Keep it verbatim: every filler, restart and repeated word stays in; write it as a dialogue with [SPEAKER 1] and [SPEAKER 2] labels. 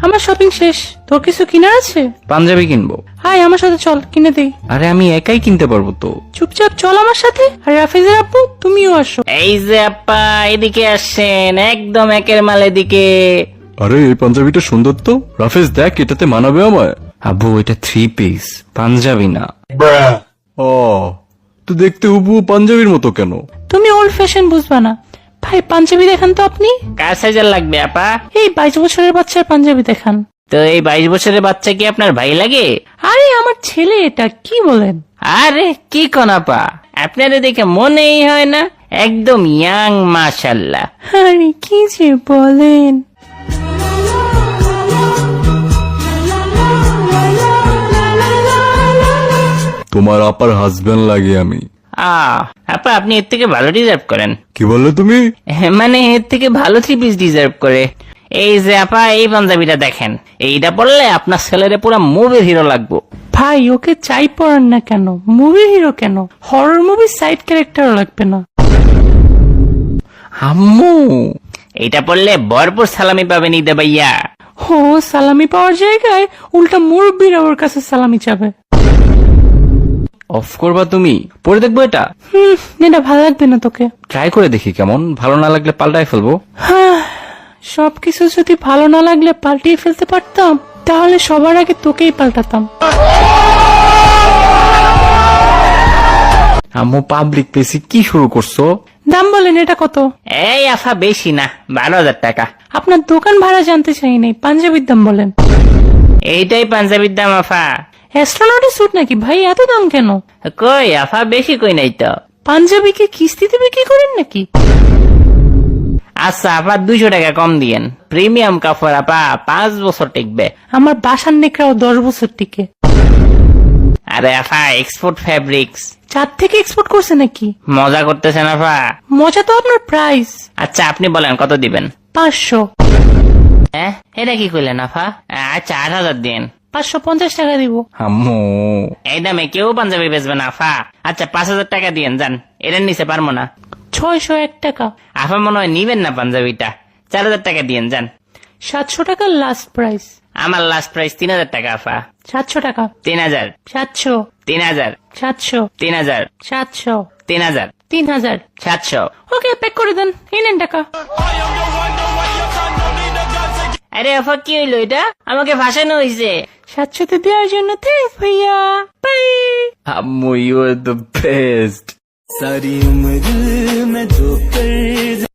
[SPEAKER 1] আমার শপিং শেষ। তোর কিছু কিনার আছে?
[SPEAKER 2] পাঞ্জাবি কিনবো।
[SPEAKER 1] হাই আমার সাথে চল, কিনে দেই।
[SPEAKER 2] আরে আমি একাই কিনতে পারবো তো।
[SPEAKER 1] চুপচাপ চল আমার সাথে। আর রাফেজের আপু তুমিও আসো।
[SPEAKER 3] এই যে আপা এদিকে আসছেন, একদম একের মাল এদিকে।
[SPEAKER 4] আরে এই পাঞ্জাবিটা সুন্দর তো, রাফেজ দেখ এটাতে মানাবে আমায়।
[SPEAKER 2] আব্বু এটা থ্রি পিস, পাঞ্জাবি না।
[SPEAKER 4] ও তো দেখতে হুবহু পাঞ্জাবির মতো কেন?
[SPEAKER 1] তুমি ওল্ড ফ্যাশন বুঝবা না। ভাই পাঞ্জাবি দেখান তো আপনি।
[SPEAKER 3] কার সাইজের লাগবে আপা?
[SPEAKER 1] এই বাইশ বছরের বাচ্চার পাঞ্জাবি দেখান।
[SPEAKER 3] তো এই বাইশ বছরের বাচ্চা কি আপনার ভাই লাগে?
[SPEAKER 1] আরে আমার ছেলে এটা, কি বলেন?
[SPEAKER 3] আরে কি কোন আপা, আপনারা দেখে মনেই হয় না, একদম ইয়াং মাশাল্লাহ।
[SPEAKER 1] আরে কি যে বলেন।
[SPEAKER 4] তোমার আপার হাজবেন্ড লাগে আমি।
[SPEAKER 3] আহ আপা আপনি এর থেকে ভালো ডিজার্ভ করেন।
[SPEAKER 4] কি বললে তুমি?
[SPEAKER 3] মানে এর থেকে ভালো থ্রি পিস ডিজার্ভ করে। এই যে আপা এই পাঞ্জাবিটা দেখেন, এইটা পরলে আপনার ছেলেরে পুরো মুভির হিরো লাগবো।
[SPEAKER 1] ভাই ওকে চাই পড়ান না কেন, মুভি হিরো কেন, হরর মুভি সাইড ক্যারেক্টারও লাগবে না।
[SPEAKER 2] আম্মু
[SPEAKER 3] এইটা পরলে ভরপুর সালামি পাবেন ঈদে ভাইয়া।
[SPEAKER 1] ও সালামি পাওয়ার জায়গায় উল্টা মুরব্বীরা ওর কাছে সালামি চাবে।
[SPEAKER 2] অফ করবা তুমি? পরে দেখবো এটা।
[SPEAKER 1] হুম এটা ভালো লাগবে না তোকে।
[SPEAKER 2] ট্রাই করে দেখি কেমন, ভালো না লাগলে পাল্টাই ফেলবো।
[SPEAKER 1] হ্যাঁ সবকিছু যদি ভালো না লাগলে পাল্টিয়ে ফেলতে পারতাম, তাহলে সবার আগে তোকেই পাল্টাতাম।
[SPEAKER 2] আম্মু পাবলিক প্লেসে কি শুরু করছো?
[SPEAKER 1] দাম বলেন এটা কত?
[SPEAKER 3] এই আফা বেশি না, বারো হাজার টাকা।
[SPEAKER 1] আপনার দোকান ভাড়া জানতে চাই নাই, পাঞ্জাবির দাম বলেন।
[SPEAKER 3] এইটাই পাঞ্জাবির দাম আফা।
[SPEAKER 1] অ্যাস্ট্রোনটের স্যুট নাকি ভাই, এত দাম কেন?
[SPEAKER 3] কই আফা বেশি কই নাই তো।
[SPEAKER 1] পাঞ্জাবি কি কিস্তিতে বিক্রি করেন নাকি?
[SPEAKER 3] আচ্ছা আফা দুইশো টাকা কম দিয়েন, প্রিমিয়াম কাপড় আপা, পাঁচ বছর টিকবে।
[SPEAKER 1] আমার বাসার নেকড়াও দশ বছর টিকে।
[SPEAKER 3] আরে আফা এক্সপোর্ট ফ্যাব্রিক্স।
[SPEAKER 1] চার থেকে এক্সপোর্ট করছে নাকি?
[SPEAKER 3] মজা করতেছেন আফা?
[SPEAKER 1] মজা তো আপনার প্রাইস।
[SPEAKER 3] আচ্ছা আপনি বলেন কত দিবেন?
[SPEAKER 1] পাঁচশো।
[SPEAKER 3] হ্যাঁ এটা কি করলেন আফা? আচ্ছা আট হাজার দিন।
[SPEAKER 1] পাঁচশো পঞ্চাশ টাকা দিব।
[SPEAKER 2] আম্মু
[SPEAKER 3] এই দামে কেউ পাঞ্জাবি বেচবে না আফা। আচ্ছা পাঁচ হাজার টাকা দিয়েন যান, এর নিচে পারবো না।
[SPEAKER 1] ছয়শো এক টাকা।
[SPEAKER 3] আফা মনে হয় নিবেন না পাঞ্জাবিটা, চার হাজার টাকা দিয়েন যান।
[SPEAKER 1] সাতশো টাকা লাস্ট প্রাইস।
[SPEAKER 3] আমার লাস্ট প্রাইস তিন হাজার টাকা আফা।
[SPEAKER 1] সাতশো টাকা।
[SPEAKER 3] তিন হাজার।
[SPEAKER 1] সাতশো।
[SPEAKER 3] তিন হাজার।
[SPEAKER 1] সাতশো।
[SPEAKER 3] তিন হাজার।
[SPEAKER 1] সাতশো।
[SPEAKER 3] তিন হাজার।
[SPEAKER 1] তিন হাজার।
[SPEAKER 3] সাতশো।
[SPEAKER 1] ওকে প্যাক করে দেন, এই নেন টাকা।
[SPEAKER 3] আরে আফা কি হইলো এটা? আমাকে ভাসানো হয়েছে।
[SPEAKER 1] সাতশোতে দেওয়ার জন্য থ্যাংকস ভাইয়া, বাই।
[SPEAKER 2] আম্মু ইউ আর দ্য বেস্ট।
[SPEAKER 5] सारी उम्र मैं जो कर